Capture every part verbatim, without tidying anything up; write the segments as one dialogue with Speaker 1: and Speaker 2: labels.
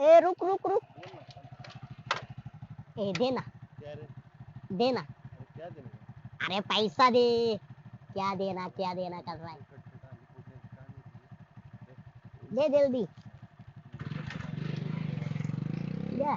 Speaker 1: ए रुक रुक रुक, ए दे ना,
Speaker 2: क्या रे?
Speaker 1: दे ना,
Speaker 2: अरे क्या देना?
Speaker 1: अरे पैसा दे, क्या देना क्या देना कर रहा है,
Speaker 2: खटखट आली फोडण्याची काम आहे ती.
Speaker 1: दे जल्दी,
Speaker 2: खटखट आली फोडण्याची.
Speaker 1: दे.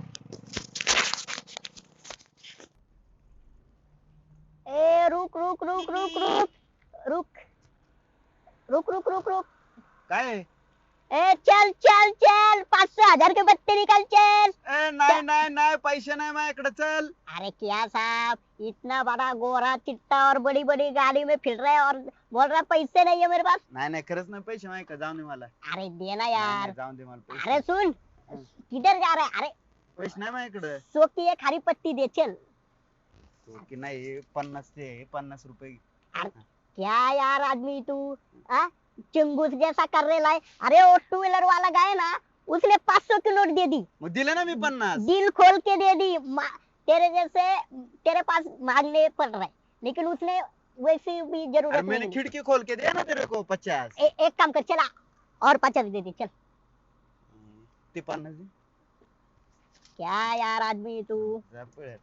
Speaker 1: ए रुक रुक रुक रुक रुक रुक रुक रुक रुक रुक,
Speaker 2: काय आहे?
Speaker 1: ए चल चल चल, पाच सौ हजार के बत्ते निकल चल.
Speaker 2: ए नाही नाही नाही पैसे नाही माझ्याकडे चल.
Speaker 1: अरे क्या साहब, इतना बड़ा गोरा चिट्टा और बड़ी बड़ी गाड़ी में फिर रहा है और बोल रहा है पैसे नहीं है मेरे पास.
Speaker 2: नाही नाही खरंच नाही पैसे माझ्याकडे जाऊन दे मला.
Speaker 1: अरे दे ना
Speaker 2: नाही,
Speaker 1: यार.
Speaker 2: नाही, जाऊन दे मला पैसे.
Speaker 1: अरे सुन, किधर जा रहा है? अरे
Speaker 2: पैसे नाही माझ्याकडे.
Speaker 1: सो की एक हरी पट्टी दे चल.
Speaker 2: तो की नाही पन्नास ते पन्नास रुपये.
Speaker 1: अरे क्या यार आदमी तू, आ? चिंगूस जैसा कर रहे है. अरे वो टू व्हीलर वाला गया ना, उसने पाँच सौ की नोट दे दी,
Speaker 2: मग दिले ना मी पन्नास.
Speaker 1: दिल खोल के दे दी. मा- तेरे जैसे तेरे पास मांगने पड़ रहा है, लेकिन उसने वैसी भी
Speaker 2: अरे
Speaker 1: जरूरत
Speaker 2: मैंने
Speaker 1: नहीं.
Speaker 2: खिड़की खोल के दिया ना तेरे को पचास.
Speaker 1: ए, एक काम कर, चला और पचास दे दे चल.
Speaker 2: ते पन्नास दे.
Speaker 1: क्या यार आदमी तू,
Speaker 2: जा पळ.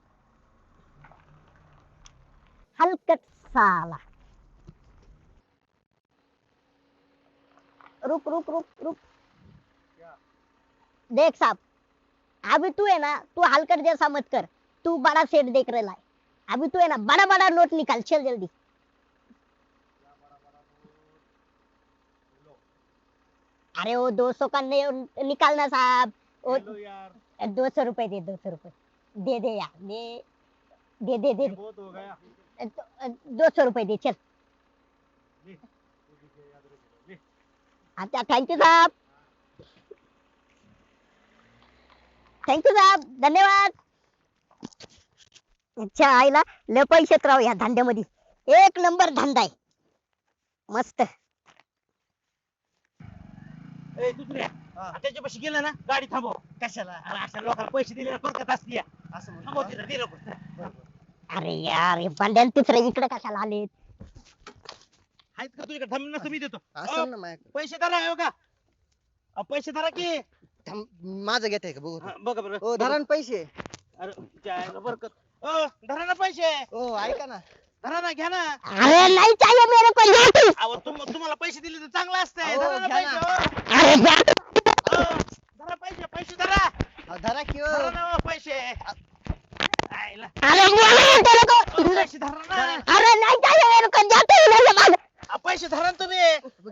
Speaker 1: हलकट साला. रुक रुक रुक रुक, देख साहब, अभी तू है ना, तू हलकट जैसा मत कर. तू बड़ा सेठ देख रहा है. अभी तू है ना, बड़ा बड़ा नोट निकाल, चल जल्दी. अरे वो दो सौ का नहीं निकालना साहब. वो
Speaker 2: हेलो यार.
Speaker 1: दो सौ रुपए दे, दो सौ रुपए दे दे यार, दे दे दे दे,
Speaker 2: बहुत हो गया.
Speaker 1: दो सौ रुपए दे चल.
Speaker 2: ले. तू भी याद रख ले.
Speaker 1: अच्छा थँक्यू साहब, थँक्यू साहब, धन्यवाद. अच्छा आईला लय पैशात राव या धंद्यामध्ये, एक नंबर धंदा आहे मस्त.
Speaker 3: ए दुसऱ्या त्याच्यापाशी गेलं ना गाडी थांबव. कशाला? अरे अशा लोकांना पैसे दिले फरकत असते.
Speaker 2: असं म्हणतो
Speaker 3: थांबव
Speaker 2: का?
Speaker 3: तिथं, दे लवकर.
Speaker 1: अरे यार हे भांड्यान तिसरे इकडे कशाला आले?
Speaker 3: आहेत का तुझ्याकडे? थांब नसतं मी देतो.
Speaker 4: असं
Speaker 3: अहो,
Speaker 4: ना माझ्याकडे.
Speaker 3: पैसे धरा हो का? अहो, पैसे धरा की.
Speaker 4: थांब, माझं घेत आहे का बघू.
Speaker 3: हा, बघा बरं.
Speaker 4: ओ धरा ना पैसे.
Speaker 3: अरे जायला बरकत. ओ धरा ना पैसे.
Speaker 4: ओ ऐका ना.
Speaker 3: धरा ना, घ्या ना.
Speaker 1: अरे नहीं चाहिए मेरे को, ले तू.
Speaker 3: अहो तुम तुम्हाला पैसे दिले तर चांगलं असतंय.
Speaker 4: अहो,
Speaker 3: धरा ना
Speaker 4: घ्या
Speaker 3: पैसे.
Speaker 4: ना.
Speaker 3: हो.
Speaker 1: अरे जा.
Speaker 3: अहो, धरा पैसे, पैसे धरा.
Speaker 4: अहो, धरा की
Speaker 3: धरा
Speaker 4: ओ.
Speaker 3: ना हो पैसे. आईला.
Speaker 1: अरे बोला तेरे को.
Speaker 3: अहो, पैसे धरा ना.
Speaker 1: अरे नहीं चाहिए मेरे को, जाते ही मेरे बाद.
Speaker 3: अहो, पैसे धरा ना तुम्ही.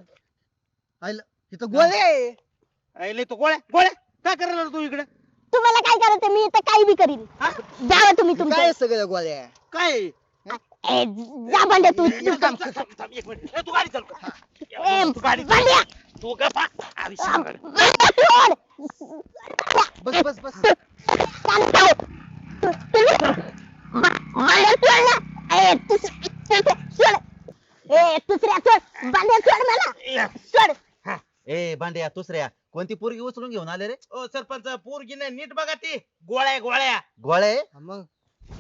Speaker 4: आईला, इथं गोळे आहे.
Speaker 3: आईले तो गोळ्या गोळ्या काय करायला तू इकडे?
Speaker 1: तुम्हाला काय करायचं, मी इथं काही बी करीन.
Speaker 3: हा?
Speaker 1: जावा तुम्ही
Speaker 4: काय
Speaker 1: तुमच्या.
Speaker 4: आहे सगळ्या गोळ्या?
Speaker 3: काय?
Speaker 1: ए जा भांड्या तू.
Speaker 3: थांब, थांब, थांब, थांब, एक मिनिट. ए, तू गाडी चालव.
Speaker 1: ए,
Speaker 3: तू गाडी चालव.
Speaker 1: भांड्या.
Speaker 3: तू गप्पा. आधी सांग गाडी.
Speaker 1: भांड्या सोड.
Speaker 4: बस बस बस.
Speaker 1: शांत हो. तू- तू- भा- भांड्या सोड ना. ए दुस- दुस- सोड. ए दुसऱ्या सोड, भांड्या सोड मला.
Speaker 3: या.
Speaker 1: सोड.
Speaker 2: ए भांड्या दुसऱ्या कोणती पोरगी उचलून घेऊन आले रे?
Speaker 3: ओ सरपंच पोरगी नाही नीट बघा ती. गोळ्या आहे, गोळ्या.
Speaker 2: गोळ्या आहे?
Speaker 4: हा, मग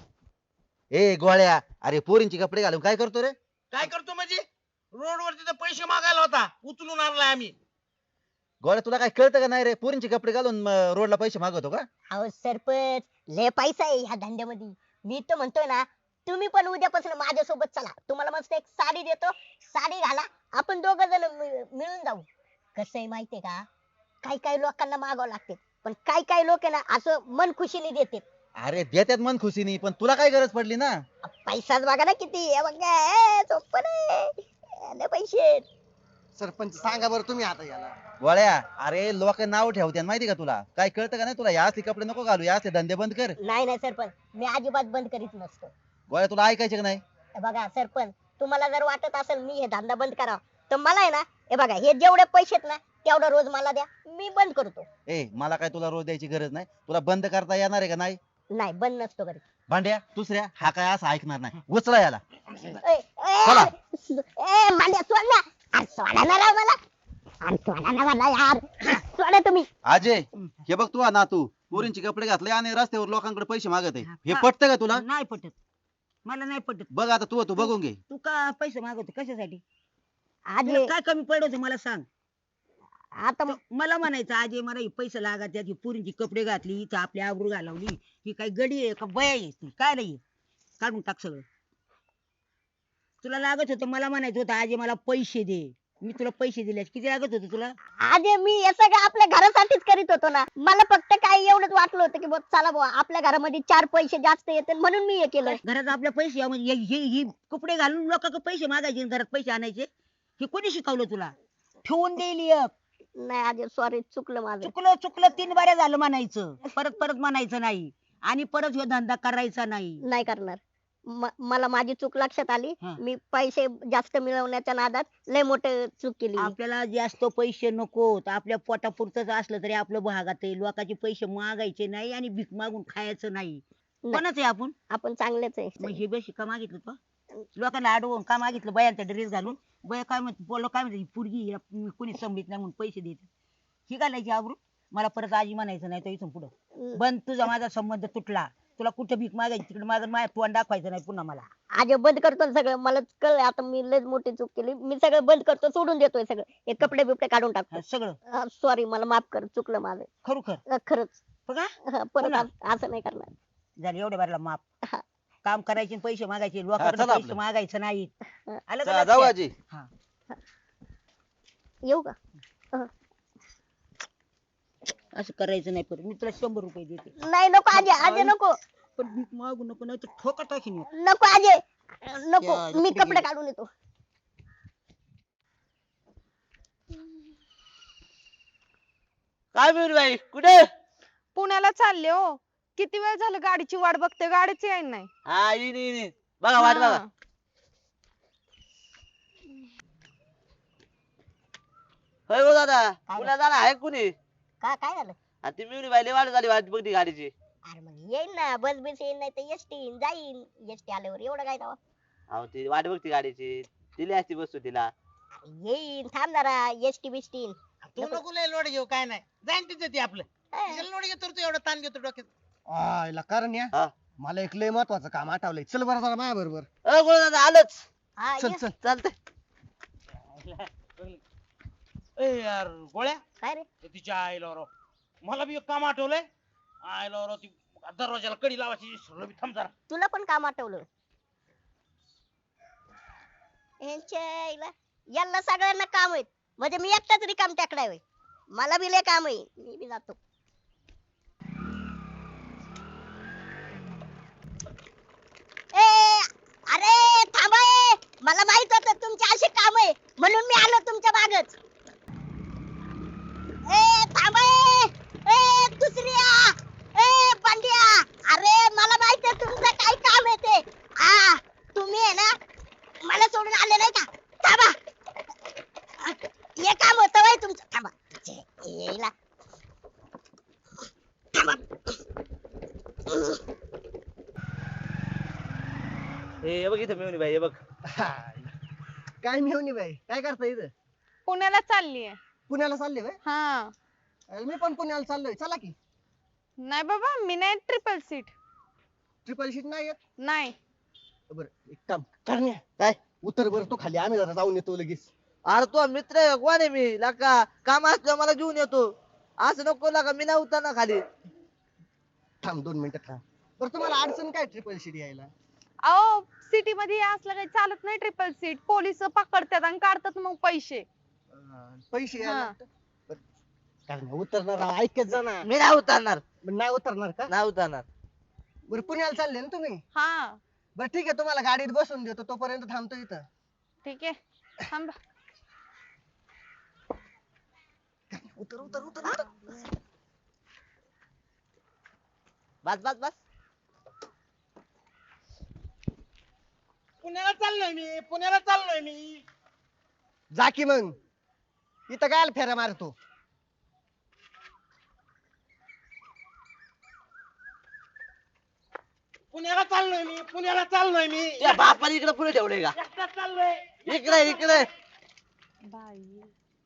Speaker 2: ए गोळ्या, अरे पोरींचे कपडे घालून काय करतो रे?
Speaker 3: काय करतो म्हणजे? रोडवर तिथं पैसे मागायला होता, उचलून आणलाय आम्ही.
Speaker 2: गोळ्या तुला काय कळतं का नाही रे? पोरींचे कपडे घालून म, रोडला पैसे मागवतो का?
Speaker 1: अहो सरपंच, लय पैसा आहे ह्या धंद्यामध्ये. मी तर म्हणतोय ना, तुम्ही पण उद्यापासून माझ्यासोबत चला. तुम्हाला मस्त एक साडी देतो, साडी घाला, आपण दोघ जण मिळून जाऊ. कसं आहे माहितीये का, काही काही लोकांना मागावं लागते, पण काही काही लोक आहे ना असं मन खुशीने देते.
Speaker 2: अरे देतात मन खुशीनी, पण तुला काय गरज पडली ना?
Speaker 1: पैसाच बघा ना किती, हे बघा ए, सोपं नाही. लय पैसे आहेत.
Speaker 4: सरपंच सांगा बरं तुम्ही आता याला.
Speaker 2: गोळ्या, अरे लोक नाव ठेवतात माहिती का तुला? काय कळतं का नाही तुला? या असले कपडे नको घालू, या असले धंदे बंद कर.
Speaker 1: नाही नाही सरपंच, मी अजिबात बंद करीत नसतो.
Speaker 2: गोळ्या तुला ऐकायचे का नाही?
Speaker 1: हे बघा सरपंच, तुम्हाला जर वाटत असेल मी हे धंदा बंद करावा, तर मला आहे ना, हे बघा हे जेवढे पैसे आहेत ना तेवढा रोज मला द्या, मी बंद करतो.
Speaker 2: ए मला काय तुला रोज द्यायची गरज नाही. तुला बंद करता येणार आहे का नाही?
Speaker 1: नाही बंद नसतो करीत.
Speaker 2: भांड्या दुसऱ्या, हा काय असं ऐकणार नाही. उचला याला.
Speaker 1: ए, ए,
Speaker 2: चला.
Speaker 1: ए, भांड्या सोड ना. अरे सोडा ना राव मला. अरे सोडा ना मला यार. सोडा तुम्ही.
Speaker 2: अजय, हे बघ तू ना, तू पोरींचे कपडे घातले आणि रस्त्यावर लोकांकडे पैसे मागत आहे. हे
Speaker 5: हा.
Speaker 2: पटतं का तुला?
Speaker 5: नाही पटत, मला नाही पटत.
Speaker 2: बघ आता तू तू बघून घे.
Speaker 5: तू का पैसे मागवतो कशासाठी?
Speaker 1: आज
Speaker 5: तुला काय कमी पडत मला सांग.
Speaker 1: आता
Speaker 5: तर मला म्हणायचं आजे मला हे पैसे लागत त्याची पुरीची कपडे घातली इथं आपली आबरू घालवली ही काही गडी आहे का बया आहे ती काय नाही काढून टाक सगळं तुला लागत होतं मला म्हणायचं होतं आजे मला पैसे दे मी तुला पैसे दिले किती लागत होते तुला
Speaker 1: आधी मी हे सगळं आपल्या घरासाठीच करीत होतो ना मला फक्त काय एवढंच वाटलं होतं की बुवा चला बुवा आपल्या घरामध्ये चार पैसे जास्त येतील म्हणून मी हे केलं
Speaker 5: घरात आपल्या पैसे म्हणजे हे हे- ही कपडे घालून लोकांकडे पैसे मागायचे आणि घरात पैसे आणायचे हे कोणी शिकवलं तुला ठेवून देईल एक
Speaker 1: नाही आधी सॉरी चुकलं माझं
Speaker 5: चुकलं चुकलं तीन बाऱ्या झालं म्हणायचं परत परत म्हणायचं नाही आणि परत ह्यो धंदा करायचा नाही
Speaker 1: नाही करणार म- मला माझी चूक लक्षात आली
Speaker 5: हा.
Speaker 1: मी पैसे जास्त मिळवण्याच्या नादात लय मोठे चूक केली
Speaker 5: आपल्याला जास्त पैसे नको आपल्या पोटापुरतच असलं तरी आपलं भागात आहे लोकांचे पैसे मागायचे नाही आणि भीक मागून खायचं नाही
Speaker 1: नाही.
Speaker 5: कोणाच आहे आपण
Speaker 1: आपण चांगलेच
Speaker 5: मग
Speaker 1: आहे
Speaker 5: हे बेशी का मागितलं तो लोकांना अडवून का मागितलं बयांचा ड्रेस घालून बया काय म्हणते बोललो काय म्हणते ही पोरगी हिला कोणी संभित नाही म्हणून पैसे देते ही घालायची आबरू मला परत आजी म्हणायचं नाही तर इथून पुढं
Speaker 1: हम्म.
Speaker 5: बंद तुझा माझा संबंध तुटला तुला कुठं भीक मागायची तिकडे माझं माझ्या तोंड दाखवायचं नाही पुन्हा मला
Speaker 1: आज बंद करतो ना सगळं मला कळलं आता मी लय मोठी चूक केली मी सगळं बंद करतो सोडून देतोय सगळं हे कपडे बिपडे काढून
Speaker 5: हा,
Speaker 1: टाकतो
Speaker 5: सगळं
Speaker 1: सॉरी मला माफ कर चुकलं माझं
Speaker 5: खरोखर
Speaker 1: अं, खरंच
Speaker 5: बघा
Speaker 1: हा, परत
Speaker 5: पुन्हा?
Speaker 1: अस- असं नाही करणार
Speaker 5: झालं एवढ्या बारला माप
Speaker 1: हा.
Speaker 5: काम करायचे आणि पैसे मागायचे
Speaker 2: हा,
Speaker 5: लोकांकडे
Speaker 2: चला
Speaker 5: पैसे
Speaker 2: आपलं.
Speaker 5: मागायचं नाही आलं का
Speaker 2: चला, जाऊ
Speaker 5: लक्षात?
Speaker 2: आजी
Speaker 5: हा.
Speaker 1: येऊ का
Speaker 5: असं करायचं नाही परत मी तुला शंभर रुपये देते
Speaker 1: नाही नको आजे आजे नको
Speaker 5: पण भीक मागू नको नाही तर ठोका टाकीन एक.
Speaker 1: नको आजे नको
Speaker 4: या,
Speaker 1: मी
Speaker 4: कुठे
Speaker 1: कपडे
Speaker 4: गेली?
Speaker 1: काढून येतो
Speaker 3: काय मिळून बाई कुठे
Speaker 6: पुण्याला चालले हो किती वेळ झालं गाडीची वाट बघते गाडीच येईन नाही
Speaker 3: हा येईन येईन येईन. बघा वाट बघा
Speaker 6: हा.
Speaker 3: होय हो दादा पुन्हा जाणार आहे कुणी
Speaker 1: का काय झालं
Speaker 3: आणि ती मिळून बाई लय वाट झाली वाट बघती गाडीची
Speaker 1: अरे मग येईन ना बस बस येईन नाही तर एसटी येईन जाईन एसटी आल्यावर एवढं काय दावा
Speaker 3: अहो ती वाट बघती गाडीची दिली असती बसू तिला
Speaker 1: येईन थांब जरा एसटी बिस्टी येईन
Speaker 7: तू नको लय लोड घेऊ काय नाही जाईन तिथे ती आपलं
Speaker 1: हा.
Speaker 7: तिला लोड घेतो रे तू एवढा ताण घेतो डोक्यात
Speaker 4: आयला कारण या
Speaker 3: हा.
Speaker 4: मला एक लय महत्वाचं काम आठवलंय चल बरं जरा माझ्या बरोबर
Speaker 3: अ गोळ दादा आलोच
Speaker 1: हा
Speaker 4: चल
Speaker 1: ये.
Speaker 4: चल
Speaker 3: चालतंय
Speaker 7: ए यार गोळ्या
Speaker 1: काय रे
Speaker 7: ते तिच्या आईला राव मला बी एक काम आठवलंय आईला राव ती दरवाजाला कडी लावायची विसरलो बी थांब जरा
Speaker 1: तुला पण काम आठवलं यांच्या आईला यांना सगळ्यांना काम आहेत म्हणजे मी एकटाच रिकाम टाकलाय होय मला बी लय काम आहे मी बी जातो ए अरे थांबा ए. मला माहित होतं तुमचे असे काम आहे म्हणून मी आलो तुमच्या मागच ए थांबा ए. ए दुसऱ्या ए पांड्या अरे मला माहित आहे तुमचं काय काम आहे ते आ तुम्ही आहे ना मला सोडून आले नाही का थांबा हे काम होतं वय तुमचं थांबा छे, येईला थांबा
Speaker 3: हे बघ इथं मिळून बाई हे बघ
Speaker 4: काय मिळवणी बाई काय करता इथं
Speaker 6: पुण्याला चाललीये
Speaker 4: पुण्याला चालले बाई
Speaker 6: हा
Speaker 4: मी पण पुण्याला चाललोय चला की
Speaker 6: नाही बाबा मी नाही ट्रिपल सीट
Speaker 4: ट्रिपल शीट नाही येत
Speaker 6: नाही
Speaker 4: बरं एक काम करण्या काय उतर बरं तो खाली आम्ही जरा जाऊन येतो लगेच
Speaker 3: अरे तो मित्र आहे कोण आहे मी लका काम असलं मला घेऊन येतो असं नको लका मी नाही उतरणार खाली
Speaker 4: थांब दोन मिनिटं थांब बरं तुम्हाला अडचण काय ट्रिपल शीट यायला
Speaker 6: अहो सिटी मध्ये असलं काही चालत नाही ट्रिपल सीट पोलिस पकडतात आणि काढतात मग पैसे
Speaker 4: अं, पैसे
Speaker 6: हा.
Speaker 4: यायला बरं, करण्या उतरणार राव, ऐकत जा ना
Speaker 3: मी नाही उतरणार
Speaker 4: बरं, नाही उतरणार का
Speaker 3: नाही उतरणार
Speaker 4: बरं पुण्याला चालले ना तुम्ही
Speaker 6: हा
Speaker 4: बरं ठीक आहे तुम्हाला गाडीत बसून देतो तोपर्यंत थांबतो इथं
Speaker 6: ठीक आहे थांबा
Speaker 4: उतर उतर उतर उतर
Speaker 3: बस बस बस
Speaker 7: पुण्याला चाललोय मी पुण्याला चाललोय मी
Speaker 4: जा की मग इथं काय फेऱ्या मारतो
Speaker 7: पुण्याला चाललोय मी पुण्याला चाललोय मी
Speaker 3: या बापाने इकडे पुढे ठेवलंय का
Speaker 7: एकटाच चाललोय
Speaker 3: इकडे इकडे
Speaker 6: बाई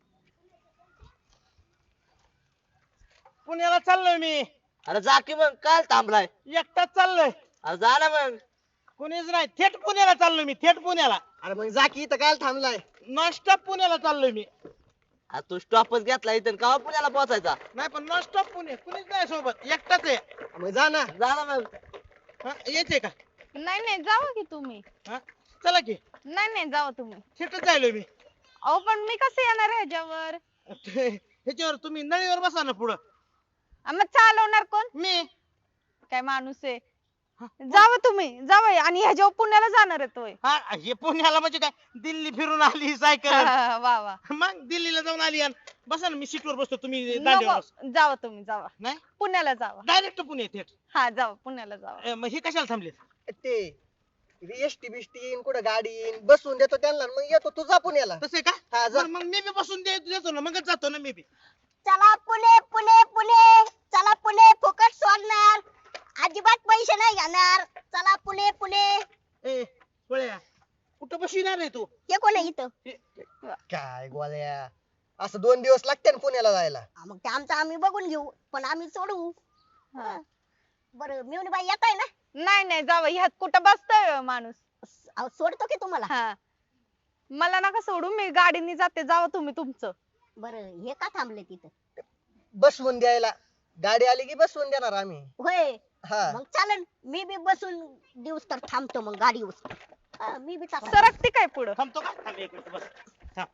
Speaker 7: पुण्याला चाललोय मी
Speaker 3: अरे जा की मग काय थांबलाय
Speaker 7: एकटाच चाललोय
Speaker 3: अरे जा ना मग
Speaker 7: कुणीच नाही थेट पुण्याला चाललोय मी थेट पुण्याला
Speaker 4: अरे मग जा की इथं काय थांबलाय
Speaker 7: नॉनस्टॉप पुण्याला चाललोय मी
Speaker 8: आ, तू स्टॉपच घेतला इथं का पुण्याला पोहोचायचा.
Speaker 3: नाही पण नॉन स्टॉप पुणे कुणीच नाही सोबत एकटाच आहे.
Speaker 4: मग जा ना.
Speaker 8: जा ना मग.
Speaker 3: हा, यायचंय का?
Speaker 6: नाही नाही जावा की तुम्ही.
Speaker 3: हा, चला की
Speaker 6: नाही नाही जावा तुम्ही.
Speaker 3: थिएटर जायलोय मी.
Speaker 6: अहो पण मी कसं येणार ह्याच्यावर?
Speaker 3: ते- ह्याच्यावर तुम्ही नळीवर बसा ना पुढं.
Speaker 6: आ, मग चालवणार कोण?
Speaker 3: मी
Speaker 6: काय माणूस आहे. जावा तुम्ही जावा आणि ह्याच्यावर पुण्याला जाणार आहे तोय.
Speaker 3: हा हे पुण्याला म्हणजे काय दिल्ली फिरून आली सायकल.
Speaker 6: वा वा.
Speaker 3: मग दिल्लीला जाऊन आली आणि बसा ना मी सीटवर बसतो तुम्ही दांडीवर बसा.
Speaker 6: नको जावा तुम्ही जावा.
Speaker 3: नाही
Speaker 6: पुण्याला जावा.
Speaker 3: Direct Pune theatre.
Speaker 6: हा जावा पुण्याला जावा.
Speaker 3: मग हे कशाला थांबले?
Speaker 4: ते एसटी बिष्टी येईन कुठं गाडी येईन बसून देतो त्यांना मग येतो तू जा पुण्याला.
Speaker 3: तसे का?
Speaker 4: हा जा.
Speaker 3: मग मग मी बी बसून दे- देतो ना मगच जातो ना मी बी.
Speaker 1: चला पुणे पुणे पुणे चला पुणे फुकट सोडणार अजिबात पैसे नाही घेणार चला पुणे पुणे.
Speaker 3: ए गोळ्या कुठं बसविणार आहे तू?
Speaker 1: हे कोण आहे इथं?
Speaker 4: काय गोळ्या असं दोन दिवस लागते ना पुण्याला जायला.
Speaker 1: हा, मग ते आमचं आम्ही बघून घेऊ पण आम्ही सोडू.
Speaker 6: हा.
Speaker 1: बरं मिळून बाई येत आहे ना?
Speaker 6: नाही नाही जावा ह्यात कुठं बसतोय माणूस.
Speaker 1: स- अहो, सोडतो की तुम्हाला.
Speaker 6: हा मला नका सोडू मी गाडीने जाते जावा तुम्ही तुमचं.
Speaker 1: बरं हे का थांबले तिथं?
Speaker 4: बसवून द्यायला गाडी आली की बसवून देणार आम्ही.
Speaker 1: होय
Speaker 4: हा
Speaker 1: मग चालेल मी बी बसून दिवस तर थांबतो मग गाडीवर. हा, मी बी चालतो.
Speaker 6: सरकते काय पुढं?
Speaker 3: थांबतो का? थांब एक मिनिट बस. थांब.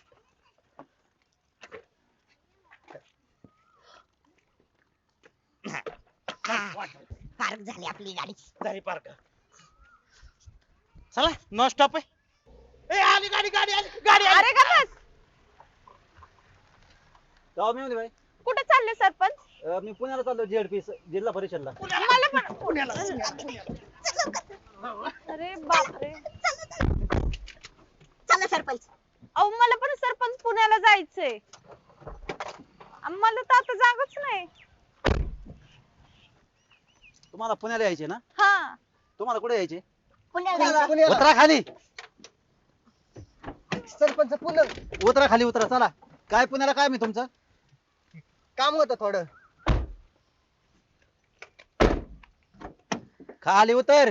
Speaker 1: हा, पार्क झाली आपली गाडी.
Speaker 3: झाली पार्क. चला नॉन स्टॉप आहे. ए आली गाडी गाडी आली गाडी आली.
Speaker 6: अरे का बस.
Speaker 2: गाव मी भाई
Speaker 6: कुठे चालले सरपंच?
Speaker 2: मी पुण्याला चाललो जेडपी जिल्हा परिषदला.
Speaker 6: मला पण
Speaker 3: पुण्याला.
Speaker 6: अरे बापरे.
Speaker 1: चला सरपंच.
Speaker 6: अहो मला पण सरपंच पुण्याला जायचंय. मला तर आता जागच नाही.
Speaker 2: तुम्हाला पुण्याला यायचे ना?
Speaker 6: हा
Speaker 2: तुम्हाला कुठे यायचे?
Speaker 1: पुण्याला
Speaker 4: पुण्याला
Speaker 1: जायचं.
Speaker 4: पुण्याला.
Speaker 2: उतरा खाली.
Speaker 4: सरपंच पुणे
Speaker 2: उतरा खाली उतरा चला. काय पुण्याला काय मी तुमचं?
Speaker 4: काम होतं थोडं.
Speaker 2: खाली उतर.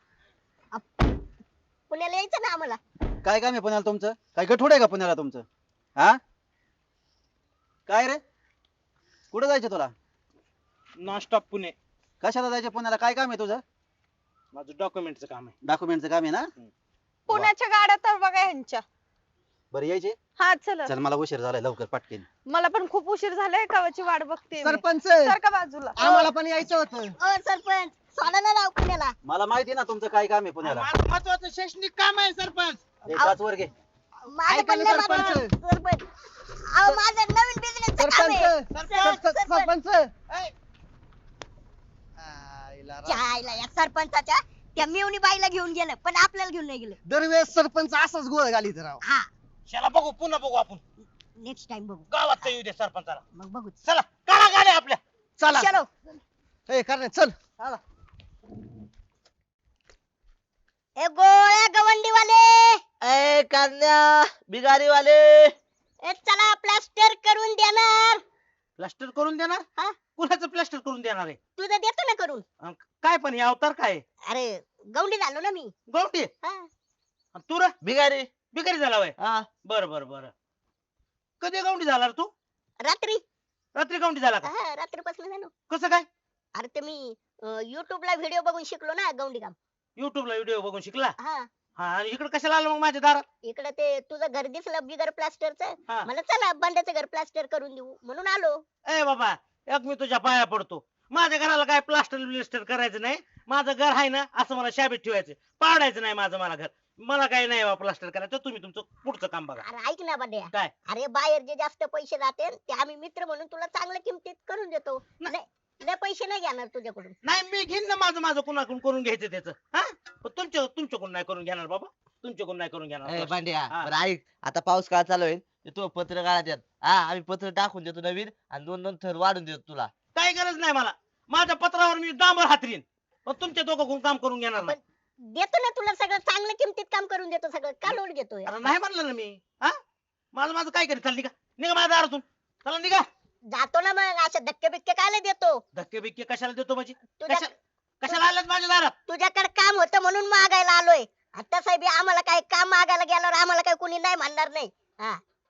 Speaker 1: पुण्याला यायचं ना आम्हाला.
Speaker 2: काय काम आहे पुण्याला तुमचं? काय गठुड आहे का पुण्याला तुमचं? हा काय रे कुठे जायचं तुला?
Speaker 3: Non stop Pune.
Speaker 2: कशाला जायचं पुण्याला? काय काम आहे तुझं?
Speaker 3: माझं डॉक्युमेंटचं काम आहे.
Speaker 2: डॉक्युमेंटचं काम आहे ना?
Speaker 6: पुण्याच्या गाड्या तर बघा ह्यांच्या.
Speaker 2: बरं यायचे.
Speaker 6: हा चला.
Speaker 2: चल मला उशीर झालाय लवकर पटकेन.
Speaker 6: मला पण खूप उशीर झालाय कवाची वाट बघते मी.
Speaker 4: सरपंच
Speaker 6: सारखा बाजूला.
Speaker 4: आम्हाला पण यायचं होतं.
Speaker 1: ओ सरपंच सोडा ना राव पुण्याला.
Speaker 2: मला माहिती ना तुमचं काय काम आहे पुण्याला.
Speaker 3: माझं महत्वाचं शैक्षणिक काम आहे सरपंच.
Speaker 2: हे पाच वर घे.
Speaker 1: माझं
Speaker 4: ऐका
Speaker 1: पण
Speaker 4: ना
Speaker 1: लय
Speaker 4: सरपंच.
Speaker 1: महत्वाचं. सरपंच अहो माझं नवीन बिझनेसचं काम आहे.
Speaker 4: सरपंच
Speaker 1: सरपंच,
Speaker 4: सर-
Speaker 1: सरपंच.
Speaker 4: सरपंच
Speaker 3: ए,
Speaker 4: आईला रा-
Speaker 1: जायला या सरपंचाच्या त्या मिवणी बाईला घेऊन गेलं पण आपल्याला घेऊन नाही गेलं.
Speaker 4: दरवेळेस सरपंच असाच गोळ घालीत राव.
Speaker 1: हा
Speaker 3: चला बघू पुन्हा बघू आपण.
Speaker 1: नेक्स्ट टाइम बघू.
Speaker 3: गावात तर येऊ दे सरपंचाला.
Speaker 1: मग बघू.
Speaker 3: चला काढा गाड्या आपल्या.
Speaker 4: चला
Speaker 1: चलो.
Speaker 4: ए करणे चल.
Speaker 1: ए गोळ्या गवंडीवाले
Speaker 8: ए कान्या बिगारीवाले.
Speaker 1: ए चला प्लास्टर करून देणार.
Speaker 3: प्लास्टर करून देणार?
Speaker 1: हा?
Speaker 3: कुणाचं प्लास्टर करून देणार आहे?
Speaker 1: तुझं देतो ना करून.
Speaker 3: अन काय पण हे अवतार काय आहे?
Speaker 1: अरे गवंडी झालो ना मी.
Speaker 3: गवटी
Speaker 1: हा.
Speaker 3: अन तू रे
Speaker 8: बिगारी.
Speaker 3: बिकारी झाला वय.
Speaker 8: हा
Speaker 3: बर बर बर. कधी गवंडी झाला रे तू?
Speaker 1: रात्री.
Speaker 3: रात्री गवंडी झाला का?
Speaker 1: हा रात्रीपासून झालो.
Speaker 3: कसं काय?
Speaker 1: अरे ते मी युट्यूब ला व्हिडिओ बघून शिकलो ना गवंडी काम.
Speaker 3: युट्यूबला व्हिडिओ बघून शिकला?
Speaker 1: हा
Speaker 3: हा आणि इकडे कशाला आला मग माझ्या दारात?
Speaker 1: इकडे ते तुझं घर दिसलं बिगर प्लास्टरचं.
Speaker 3: हा.
Speaker 1: मला चला बंड्याचं घर प्लास्टर करून देऊ म्हणून आलो.
Speaker 3: ए बाबा एक मी तुझ्या पाया पडतो. माझ्या घराला काय प्लास्टर ब्लिस्टर करायचं नाही. माझं घर आहे ना असं मला शाबीत ठेवायचं. पाडायचं नाही माझं मला घर. मला काही नाही बा प्लास्टर करायचं. तुम्ही तुमचं पुढचं काम बघा.
Speaker 1: अरे ऐक ना बंड्या.
Speaker 3: काय?
Speaker 1: अरे बाहेर जे जास्त पैसे जाते ते आम्ही मित्र म्हणून तुला चांगल्या किमतीत करून देतो.
Speaker 3: ना-
Speaker 1: लय लय पैसे नाही घेणार तुझ्याकडून.
Speaker 3: नाही मी घेईन ना माझं माझं कुणाकडून करून घ्यायचं त्याचं. हा पण तुमच्या तुमच्याकडून नाही करून घेणार बाबा. तुमच्याकडून नाही करून
Speaker 8: ए
Speaker 3: घेणार.
Speaker 8: पांड्या
Speaker 3: हा.
Speaker 8: बरं ऐक आता पाऊस काळ चालू आहे ते तू पत्र काढा यात. हा आम्ही पत्र टाकून देतो नवीन आणि दोन दोन थर वाढून देतो तुला.
Speaker 3: काही गरज नाही मला. माझ्या पत्रावर मी डांबर हातरीन. पण तुमच्या दोघं काम करून घेणार नाही.
Speaker 1: देतो ना तुला सगळं चांगल्या किमतीत काम करून देतो सगळं. का लोड घेतोय?
Speaker 3: अरे नाही म्हणलं ना मी. हा माझं माझं काय करीत चाल निघा निघा माझ्या दारातून. चला निघा.
Speaker 1: जातो ना मग असे धक्के बिक्के काय देतो?
Speaker 3: धक्के बिक्के कशाला देतो माझी?
Speaker 1: तुझ्या
Speaker 3: कशा कशाला आलात माझ्या दारात?
Speaker 1: तुझ्याकडे काम होतं म्हणून मागायला आलोय. आता साहेब आम्हाला काय काम मागायला गेल्यावर आम्हाला काय कोणी नाही म्हणणार नाही. हा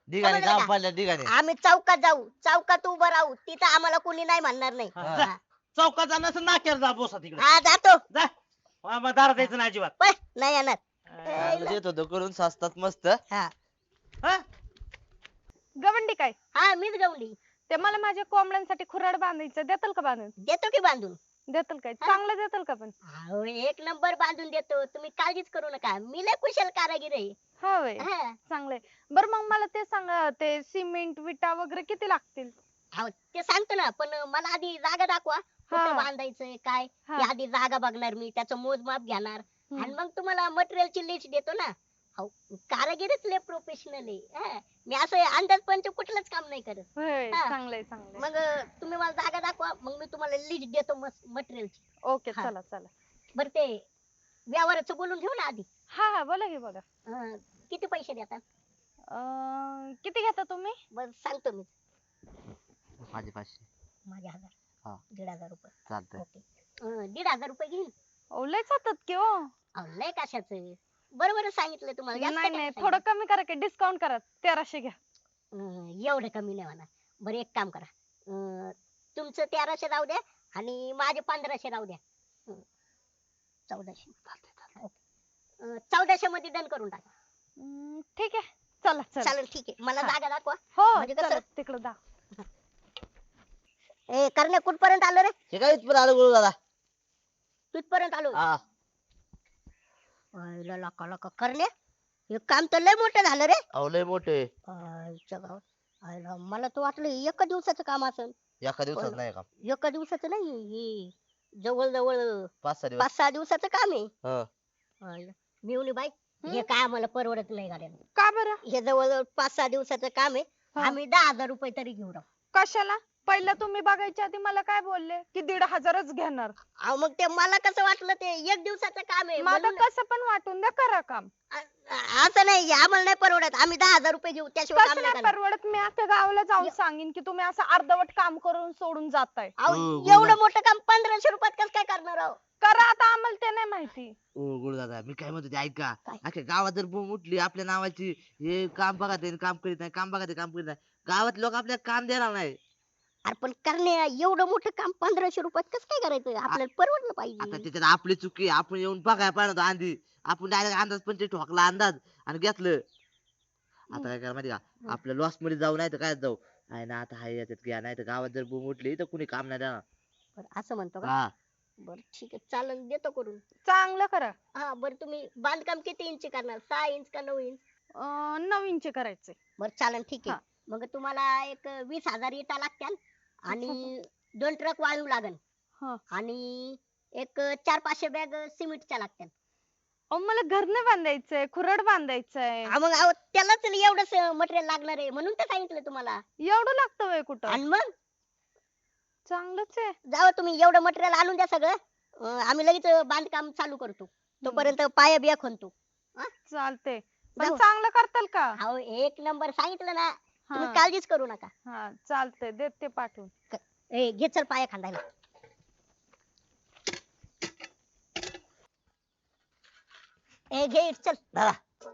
Speaker 8: ठिकाणी
Speaker 1: समजलं
Speaker 8: काम
Speaker 1: का?
Speaker 8: पडल्या ठिकाणी
Speaker 1: आम्ही चौकात जाऊ चौकात उभं राहू तिथं आम्हाला कोणी नाही म्हणणार नाही.
Speaker 3: हा, जा. चौकात जाणं असं नाक्यावर जा बोसा तिकडे
Speaker 1: हा जातो
Speaker 3: जा हा, मग दारात यायचं नाही अजिबात
Speaker 1: पण नाही येणार.
Speaker 8: चांगलं देत होतो करून स्वस्तात मस्त
Speaker 1: हा
Speaker 3: हा?
Speaker 6: गवंडी काय
Speaker 1: हा मीच गवली
Speaker 6: ते मला माझ्या कोंबड्यांसाठी खुराड बांधायचं देताल का बांधून
Speaker 1: देतो की बांधून.
Speaker 6: देताल काय
Speaker 1: हा.
Speaker 6: चांगलं देताल का पण
Speaker 1: अहो एक नंबर बांधून देतो तुम्ही काळजीच करू नका मी लय कुशल कारागीर आहे.
Speaker 6: हा वय
Speaker 1: हा.
Speaker 6: चांगलंय बरं मग मला ते सांगा ते सिमेंट विटा वगैरे किती लागतील
Speaker 1: अहो, ते सांगतो ना पण मला आधी जागा दाखवा कुठं
Speaker 6: हा.
Speaker 1: बांधायचंय काय
Speaker 6: हा.
Speaker 1: ते आधी जागा बघणार मी त्याचं मोजमाप घेणार
Speaker 6: हम्म.
Speaker 1: आणि मग तुम्हाला मटेरियलची लिस्ट देतो ना. अहो कारागीरच लय प्रोफेशनल आहे. हा. मी असं अंदाज पंच कुठलंच काम नाही करत.
Speaker 6: होय
Speaker 1: हा.
Speaker 6: चांगलंय चांगलंय
Speaker 1: मग अं, तुम्ही मला जागा दाखवा मग मी तुम्हाला लिस्ट देतो मटेरियलची.
Speaker 6: ओके
Speaker 1: हा.
Speaker 6: चला चला
Speaker 1: बरं ते व्यवहाराचं बोलून घेऊ ना आधी.
Speaker 6: हा हा बोला की बोला
Speaker 1: अं, किती पैसे देतात
Speaker 6: अं, किती घेता तुम्ही
Speaker 1: बरं सांगतो मी.
Speaker 8: माझे पाचशे
Speaker 1: माझे
Speaker 8: हा.
Speaker 1: हजार दीड हजार रुपये
Speaker 8: चालतंय
Speaker 1: ओके. अं, दीड हजार रुपये घेईन.
Speaker 6: अहो, लय जातात की हो
Speaker 1: अहो, लय कशाचं बरोबर सांगितलं तुम्हाला जास्त
Speaker 6: नाही
Speaker 1: काय
Speaker 6: नाही
Speaker 1: सांगितलं?
Speaker 6: थोडं कमी करा की डिस्काउंट करा तेराशे घ्या
Speaker 1: अं, एवढं कमी नाही होणार. बरं एक काम करा अं, तुमचं तेराशे राहू द्या आणि माझे पंधराशे राहू द्या. अं, चौदाशे ओके. अं, चौदाशे मध्ये डन करून टाका.
Speaker 6: हम्म, ठीक आहे चला चला
Speaker 1: चालेल ठीक आहे मला
Speaker 6: हा.
Speaker 1: जागा दाखवा.
Speaker 6: हो
Speaker 1: म्हणजे कसं?
Speaker 6: चला तिकडं दा
Speaker 1: ए करण्या कुठपर्यंत आलो रे
Speaker 8: हे काय इथपर्यंत आलो गुरु दादा
Speaker 1: तिथपर्यंत आलो.
Speaker 8: हा
Speaker 1: आईला लका लका करण्या हे काम तर लय मोठं झालं रे.
Speaker 8: अहो लय मोठे
Speaker 1: आईच्या गावात. आईला मला तर वाटलं हे एका दिवसाचं काम असेल.
Speaker 8: एका दिवसात नाही काम
Speaker 1: एका दिवसाचं नाही हे जवळ जवळ
Speaker 8: पाच सहा दिवस
Speaker 1: पाच सहा दिवसाचं काम आहे.
Speaker 8: हा
Speaker 1: आईला. मिळवणी बाई हे काय आम्हाला परवडत नाही गाड्या.
Speaker 6: का बरं
Speaker 1: हे जवळ पाच सहा दिवसाचं काम आहे.
Speaker 6: हा.
Speaker 1: आम्ही दहा हजार रुपये तरी घेऊ राहू.
Speaker 6: कशाला पहिला तुम्ही बघायच्या आधी मला काय बोलले की दीड हजारच घेणार
Speaker 1: अहो मग ते मला कसं वाटलं ते एक दिवसाचं काम आहे
Speaker 6: माझं
Speaker 1: म्हणून-
Speaker 6: कसं पण वाटून द्या करा काम
Speaker 1: अ- अ- असं नाही आम्हाला नाही परवडत आम्ही दहा हजार रुपये घेऊ त्याशिवाय काम
Speaker 6: कसं
Speaker 1: नाही
Speaker 6: नाही
Speaker 1: करणार.
Speaker 6: परवडत मी आता गावाला जाऊन सांगेन की तुम्ही असं अर्धवट काम करून सोडून जाताय
Speaker 1: अहो
Speaker 8: हो,
Speaker 1: एवढं
Speaker 8: बोला.
Speaker 1: मोठं काम पंधराशे रुपयात कसं काय करणार आहो.
Speaker 6: करा आता आम्हाला ते नाही माहिती
Speaker 8: ओ गुरु दादा मी काय म्हणतो ते ऐका
Speaker 1: काय?
Speaker 8: अख्ख्या गावात जर बोंब उठली आपल्या नावाची हे काम बघा ते काम करीत नाही काम बघा ते काम करीत नाही गावात लोक आपल्याला काम देणार नाही
Speaker 1: अरे पण करणे एवढं मोठं काम पंधराशे रुपयात कसं काय करायचं आपल्याला परवडलं
Speaker 8: आता
Speaker 1: पाहिजे.
Speaker 8: त्याच्यात आपली चुकी आपण येऊन बघाय पाहिजे आधी आपण डायरेक्ट अंदाज पण ते ठोकला अंदाज आणि घेतलं आता काय करा माहिती का आपल्या लॉस मध्ये जाऊ नाही तर काय जाऊ आहे ना आता हाय याच्यात घ्या नाही तर गावात जर बोंब उठली तर कुणी काम नाही देणार
Speaker 1: बरं, असं म्हणतो का
Speaker 8: हा
Speaker 1: बरं ठीक आहे चालेल देतो करून.
Speaker 6: चांगलं करा
Speaker 1: हा बरं तुम्ही बांधकाम किती इंच करणार सहा इंच का नऊ इंच.
Speaker 6: अं, नवीनचे करायचे
Speaker 1: बरं चालेल ठीक
Speaker 6: हा.
Speaker 1: आहे मग तुम्हाला एक वीस हजार इटा लागत्याल आणि दोन ट्रक वाळू लागन
Speaker 6: हा.
Speaker 1: आणि एक चार पाचशे बॅग सिमेंटच्या लागत्याल.
Speaker 6: अहो मला घर नाही बांधायचंय खुरड बांधायचंय
Speaker 1: हा, मग अहो, त्यालाच एवढंच मटेरियल लागणार आहे म्हणून तर सांगितलं तुम्हाला.
Speaker 6: एवढं लागतं वय कुठं
Speaker 1: आणि मग
Speaker 6: चांगलंच आहे
Speaker 1: जावं तुम्ही एवढं मटेरियल आणून द्या सगळं अं, आम्ही लगेच बांधकाम चालू करतो तोपर्यंत पाया बिया खणतो.
Speaker 6: चालते पण
Speaker 1: जाऊ.
Speaker 6: चांगलं करताल का
Speaker 1: अहो एक नंबर सांगितलं ना तुम्ही
Speaker 6: हा
Speaker 1: काळजीच करू नका.
Speaker 6: हा चालतंय देते पाठवून
Speaker 1: ए घे चल पाया खांदायला. ए घे चल
Speaker 8: दादा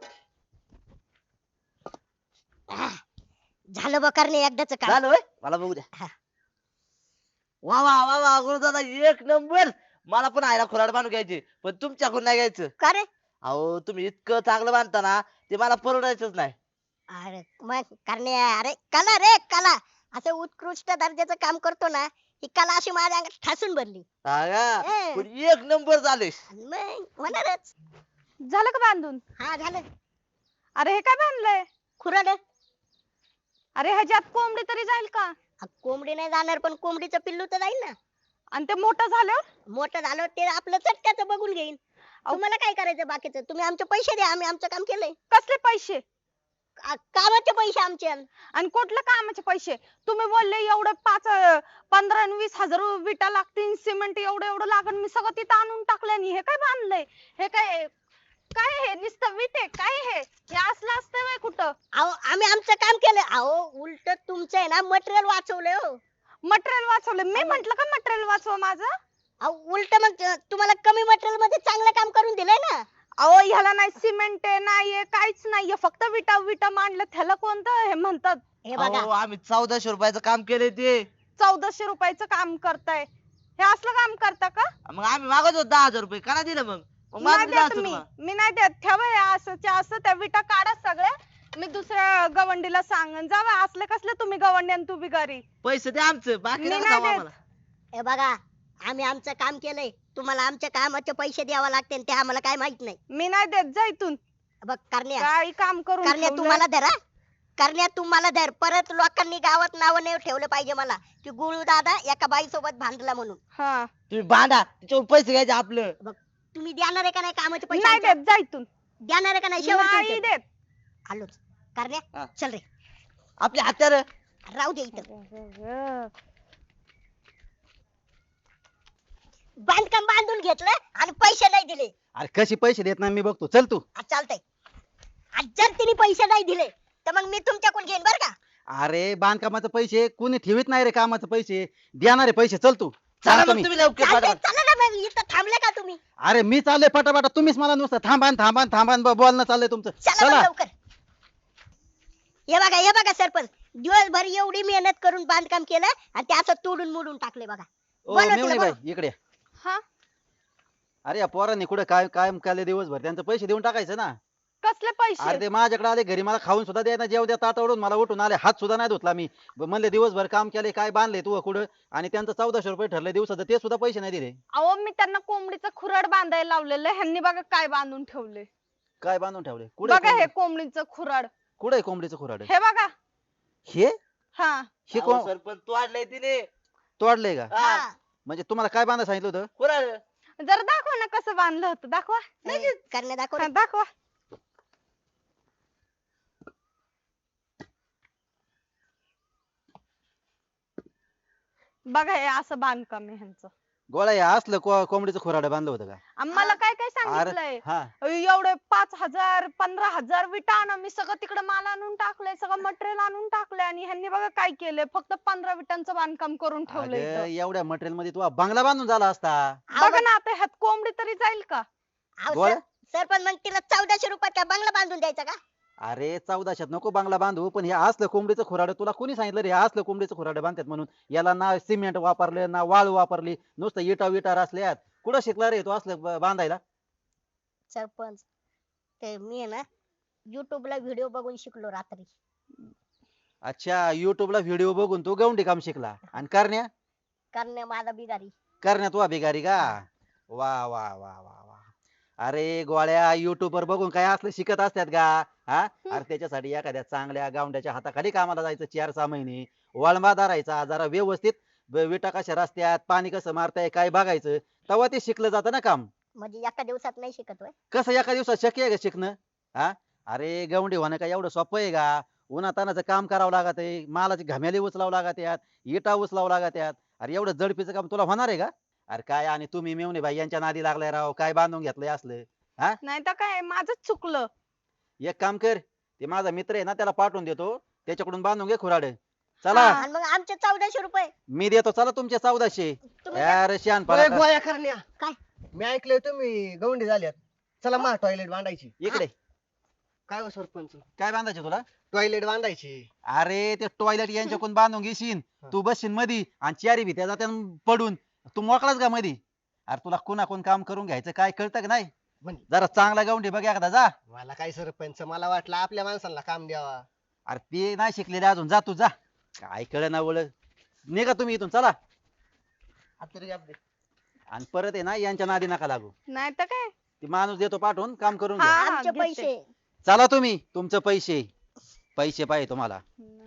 Speaker 1: आह, झालं बघ करणे एकदाच काम.
Speaker 8: झालं होय मला बघू द्या
Speaker 1: हा.
Speaker 8: वा वा वा वा गुरु दादा एक नंबर मला पण आयला खुराड बांधून घ्यायची पण तुमच्याकडून नाही घ्यायचं
Speaker 1: का रे
Speaker 8: अहो तुम्ही इतकं चांगलं बांधता ना ते मला परवडायचंच नाही
Speaker 1: अरे मग करणे अरे कला रे कला असं उत्कृष्ट दर्जाचं काम करतो ना ही कला अशी माझ्या अंगात ठासून भरली.
Speaker 8: हा का?
Speaker 1: ए.
Speaker 8: पण एक नंबर झाले
Speaker 1: आणि मग होणारच.
Speaker 6: झालं का बांधून
Speaker 1: हा झालं
Speaker 6: अरे हे काय बांधलंय
Speaker 1: खुराड.
Speaker 6: अरे ह्याच्यात कोंबडी तरी जाईल का
Speaker 1: हा, कोंबडी नाही जाणार पण कोंबडीचं पिल्लू तर जाईल ना.
Speaker 6: आणि ते मोठं झाल्यावर
Speaker 1: मोठं झालं ते आपलं चटक्याचं बघून घेईन. तुम्हाला काय करायचं बाकीचं तुम्ही आमचे पैसे द्या आम्ही आमचं काम केलंय.
Speaker 6: कसले पैसे
Speaker 1: का- कामाचे पैसे आमचे.
Speaker 6: आणि कुठल्या कामाचे पैसे तुम्ही बोलले एवढं पाच अं, पंधरा आणि वीस हजार विटा लागतील सिमेंट एवढं एवढं लागन मी सगळं तिथं आणून टाकलं आणि हे काय बांधलंय हे काय काय हे नुसतं विटे काय हे हे असलं असतं व्हय कुठं
Speaker 1: अहो आम्ही आमचं काम केलं. अहो उलट तुमचं आहे ना मटेरियल वाचवलंय हो.
Speaker 6: मटेरियल वाचवलं मी म्हंटल का मटेरियल वाचव माझं
Speaker 1: अहो उलट मग तुम्हाला कमी मटेरियल मध्ये चांगलं काम करून दिलंय ना.
Speaker 6: अहो ह्याला नाही सिमेंट आहे नाहीये काहीच नाहीये फक्त विटा विटा मांडलं त्याला कोणतं हे म्हणतात
Speaker 1: हे बघा
Speaker 8: अहो, आम्ही चौदाशे रुपयाचं काम केलंय ते
Speaker 6: चौदाशे रुपयाचं काम करताय हे असलं काम करता का
Speaker 8: मग आम्ही मागत होतो दहा हजार रुपये का नाही दिलं मग मग
Speaker 6: नाही
Speaker 8: मागं दिलं
Speaker 6: देत
Speaker 8: असतं
Speaker 6: मी
Speaker 8: तुम्हाला.
Speaker 6: मी नाही देत ठेवा हे असंच्या असं त्या विटा काढा सगळ्या मी दुसऱ्या गवंडीला सांगन जावा असले कसले तुम्ही गवंडी आणि तू बिगारी
Speaker 8: पैसे द्या आमचं बाकी
Speaker 6: मी
Speaker 8: नका
Speaker 6: नाही
Speaker 8: सांगू
Speaker 6: देत.
Speaker 8: आम्हाला.
Speaker 1: हे बघा आम्ही आमचं काम केलंय तुम्हाला आमच्या कामाचे पैसे द्यावे लागते ते आम्हाला काय माहित नाही
Speaker 6: मी नाही देत जा इथून
Speaker 1: बघ करण्या
Speaker 6: काही काम करून
Speaker 1: करण्या
Speaker 6: ठेवलंय.
Speaker 1: तुम्हाला धर हा. करण्या तुम्हाला धर परत लोकांनी गावात नाव नाही ठेवलं पाहिजे मला की गुळू दादा एका बाई सोबत भांडला म्हणून
Speaker 6: हा
Speaker 8: तुम्ही भांडा त्याच्यावर पैसे घ्यायचे आपलं
Speaker 1: तुम्ही देणार आहे का नाही कामाचे पैसे
Speaker 6: नाही
Speaker 1: आमच्या?
Speaker 6: देत जा इथून
Speaker 1: देणार आहे का नाही
Speaker 6: नाही
Speaker 1: शेवट
Speaker 6: देत
Speaker 1: आलोच करण्या
Speaker 8: हा.
Speaker 1: चल रे
Speaker 8: आपले हत्यार
Speaker 1: राहू दे इथं बांधकाम बांधून घेतलं आणि पैसे नाही दिले
Speaker 2: अरे कशी पैसे देत नाही मी बघतो चल तू
Speaker 1: आज चालतंय आज जर तिने पैसे नाही दिले तर मग मी तुमच्याकडून घेईन बर का
Speaker 2: अरे बांधकामाचे पैसे कोणी ठेवीत नाही रे कामाचे पैसे देणारे पैसे चल तू
Speaker 8: चला
Speaker 2: सांगतो
Speaker 8: मग
Speaker 2: मी.
Speaker 8: तुम्ही लवकर
Speaker 1: चालतंय
Speaker 8: पाठवा.
Speaker 1: चला ना मग इथं थांबले का तुम्ही
Speaker 2: अरे मी चाललोय पटापटा तुम्हीच मला नुसतं थांबान थांबान थांबान ब- बोलणं चाललंय तुमचं
Speaker 1: चला मग
Speaker 2: चला
Speaker 1: लवकर हे बघा हे बघा सरपंच दिवसभर एवढी मेहनत करून बांधकाम केलं आणि ते असं तोडून मोडून टाकले बघा
Speaker 2: ओ
Speaker 1: बोला
Speaker 2: मेवणी
Speaker 1: तिला,
Speaker 2: बाई इकडे या.
Speaker 6: हा
Speaker 2: अरे या पोरांनी कुठे काय काय केले दिवसभर त्यांचे पैसे देऊन टाकायचं ना
Speaker 6: कसले
Speaker 2: अरे
Speaker 6: पैसे
Speaker 2: ते माझ्याकडे आले घरी मला खाऊन सुद्धा द्यायला जेव द्या ताटवडून मला उठून आले हात सुद्धा नाही धुतला मी ब- म्हणले दिवसभर काम केले काय बांधले तू कुठं आणि त्यांचं चौदाशे रुपये ठरले दिवसाचं ते सुद्धा पैसे नाही दिले
Speaker 6: अहो मी त्यांना कोंबडीचं खुराड बांधायला लावलेलं ह्यांनी बघा काय बांधून ठेवले
Speaker 2: काय बांधून ठेवले कुठे
Speaker 6: बघा हे कोंबडीचं खुराड
Speaker 2: कुठे कोंबडीचं खुराड
Speaker 6: हे बघा
Speaker 2: हे
Speaker 6: हा
Speaker 2: हे
Speaker 8: अहो,
Speaker 2: कोण
Speaker 8: सरपंच तू आणलंय तिने
Speaker 2: तोडले का
Speaker 8: हा.
Speaker 1: हा.
Speaker 2: म्हणजे तुम्हाला काय बांधा सांगितलं होतं
Speaker 8: कुणाल?
Speaker 6: जरा दाखवा ना कसं बांधलं होतं दाखवा
Speaker 1: ए, करण्या दाखव
Speaker 6: हा,
Speaker 1: रे.
Speaker 6: दाखवा बघा हे असं बांधकाम आहे ह्यांचं
Speaker 2: गोळ्या हे असलं को- कोंबडीचं खुराड बांधलं होतं का
Speaker 6: आम्हाला काय काय
Speaker 2: अरे
Speaker 6: सांगितलंय
Speaker 2: हा
Speaker 6: एवढे पाच हजार पंधरा हजार विटा आणा मी सगळं तिकडे माल आणून टाकलंय सगळं मटेरियल आणून टाकलंय आणि ह्यांनी बघा काय केलंय फक्त पंधरा विटांचं बांधकाम करून ठेवलंय
Speaker 2: अगं,
Speaker 6: इथं.
Speaker 2: एवढ्या मटेरियल मध्ये तू बंगला बांधून झाला असता
Speaker 6: बघा ना आता ह्यात कोंबडी तरी जाईल का
Speaker 1: अहो,
Speaker 2: गोळ्या?
Speaker 1: सर- सरपंच मग तिला चौदाशे रुपयात काय बंगला बांधून द्यायचा का
Speaker 2: अरे चौदाशात नको बंगला बांधू पण हे असलं कोंबडीचं खुराड तुला कोणी सांगितलं रे हे असलं कोंबडीचं खुराड बांधतात म्हणून याला ना सिमेंट वापरले ना वाळू वापरली नुसतं इटा विटा असल्यात कुठं शिकला रे तू असलं ब- बांधायला
Speaker 1: सरपंच ते मी आहे ना YouTube ला व्हिडिओ बघून शिकलो रात्री
Speaker 2: अच्छा युट्यूबला व्हिडिओ बघून तू गवंडी काम शिकला आणि करण्या
Speaker 1: करण्या माझा बिगारी
Speaker 2: करण्या तू भिगारी का वा वा वा वा वा अरे गोळ्या युट्यूब वर बघून काय असलं शिकत असतात का हा अरे त्याच्यासाठी एखाद्या चांगल्या गावंड्याच्या हाताखाली कामाला जायचं चार सहा महिने वळंबा धरायचा जरा व्यवस्थित ब- विटा कशा रस्त्यात पाणी कसं मारताय काय बघायचं तेव्हा ते शिकलं जातं ना काम
Speaker 1: म्हणजे एका दिवसात नाही शिकत होय
Speaker 2: कसं एका दिवसात शक्य आहे का शिकणं हा अरे गवंडी होणं काय एवढं सोपं आहे का उन्हातानाचं काम करावं लागत आहे मालाची घमेली उचलावं लागत यात इटा उचलावं लागत यात अरे एवढं जडपीचं काम तुला होणार आहे का अरे काय आणि तुम्ही मेवणे भाई यांच्या नादी लागलाय राव काय बांधून घेतलंय असलं
Speaker 6: नाही तर काय माझंच चुकलं
Speaker 2: एक काम कर ते माझा मित्र आहे ना त्याला पाठवून देतो त्याच्याकडून बांधून घे खुराड चला
Speaker 6: हा.
Speaker 1: आणि मग आमचे चौदाशे रुपये
Speaker 2: मी देतो चला तुमचे चौदाशे
Speaker 1: तुम्ही
Speaker 2: यार शान
Speaker 4: ओय, गोळ्या करण्या
Speaker 1: काय?
Speaker 4: मी ऐकलंय तुम्ही गवंडी झाल्यात चला मा टॉयलेट बांधायची
Speaker 2: इकडे
Speaker 4: काय हो सरपंच
Speaker 2: काय बांधायचे तुला
Speaker 4: टॉयलेट बांधायची
Speaker 2: अरे ते टॉयलेट यांच्याकडून बांधून घेशील तू बसशील मधी आणि चारी भीत्या जात्या पडून तू मोकळाच का मधी अरे तुला कोणा कोण काम करून घ्यायचं काय कळतं का नाही
Speaker 4: म्हणजे
Speaker 2: जरा चांगला गावंडी बघ एखादा जा
Speaker 4: मला काय सरपंच मला वाटलं आपल्या माणसांना काम द्यावा
Speaker 2: अरे ते नाही शिकलेले अजून जा तू जा काय कळ ना ओळख निघा तुम्ही इथून चला
Speaker 4: आता तरी अपडेट.
Speaker 2: आणि परत आहे ना यांच्या नादी नका लागू
Speaker 6: नाही तर काय
Speaker 2: ती माणूस देतो पाठवून काम करून घ्या
Speaker 6: हा,
Speaker 1: आमचे
Speaker 6: घेते.
Speaker 1: पैसे
Speaker 2: चला तुम्ही तुमचे पैसे पैसे पाहिजे तुम्हाला